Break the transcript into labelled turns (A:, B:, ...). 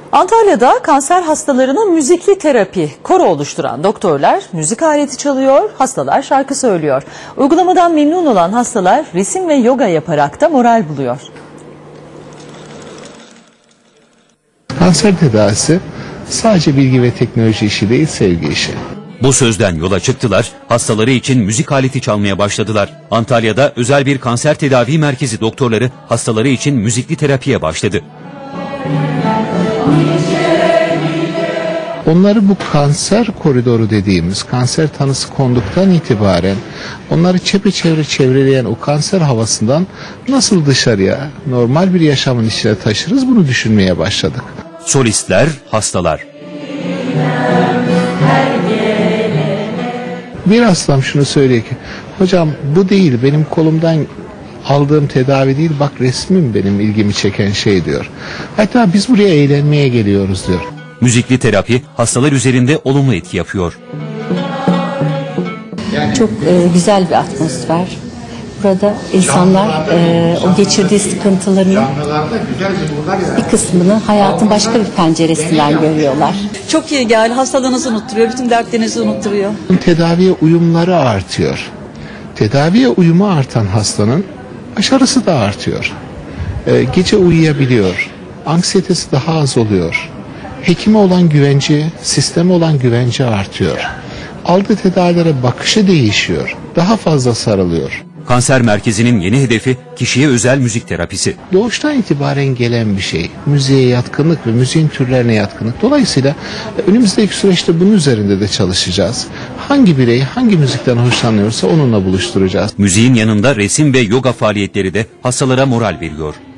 A: Antalya'da kanser hastalarına müzikli terapi koro oluşturan doktorlar müzik aleti çalıyor, hastalar şarkı söylüyor. Uygulamadan memnun olan hastalar resim ve yoga yaparak da moral buluyor.
B: Kanser tedavisi sadece bilgi ve teknoloji işi değil, sevgi işi.
C: Bu sözden yola çıktılar, hastaları için müzik aleti çalmaya başladılar. Antalya'da özel bir kanser tedavi merkezi doktorları hastaları için müzikli terapiye başladı.
B: Onları bu kanser koridoru dediğimiz kanser tanısı konduktan itibaren onları çepeçevre çevreleyen o kanser havasından nasıl dışarıya normal bir yaşamın içine taşırız, bunu düşünmeye başladık.
C: Solistler, hastalar.
B: Bir hastam şunu söylüyor ki, hocam bu değil, benim kolumdan aldığım tedavi değil, bak resmim benim ilgimi çeken şey diyor. Hatta biz buraya eğlenmeye geliyoruz diyor.
C: Müzikli terapi hastalar üzerinde olumlu etki yapıyor.
D: Çok güzel bir atmosfer. Burada insanlar o geçirdiği sıkıntıların bir kısmını hayatın başka bir penceresinden görüyorlar.
E: Çok iyi geldi. Hastalığınızı unutturuyor. Bütün dertlerinizi unutturuyor.
B: Tedaviye uyumları artıyor. Tedaviye uyumu artan hastanın başarısı da artıyor. Gece uyuyabiliyor. Anksiyetesi daha az oluyor. Hekime olan güvenci, sisteme olan güvenci artıyor. Aldığı tedavilere bakışı değişiyor. Daha fazla sarılıyor.
C: Kanser merkezinin yeni hedefi kişiye özel müzik terapisi.
B: Doğuştan itibaren gelen bir şey. Müziğe yatkınlık ve müziğin türlerine yatkınlık. Dolayısıyla önümüzdeki süreçte bunun üzerinde de çalışacağız. Hangi birey hangi müzikten hoşlanıyorsa onunla buluşturacağız.
C: Müziğin yanında resim ve yoga faaliyetleri de hastalara moral veriyor.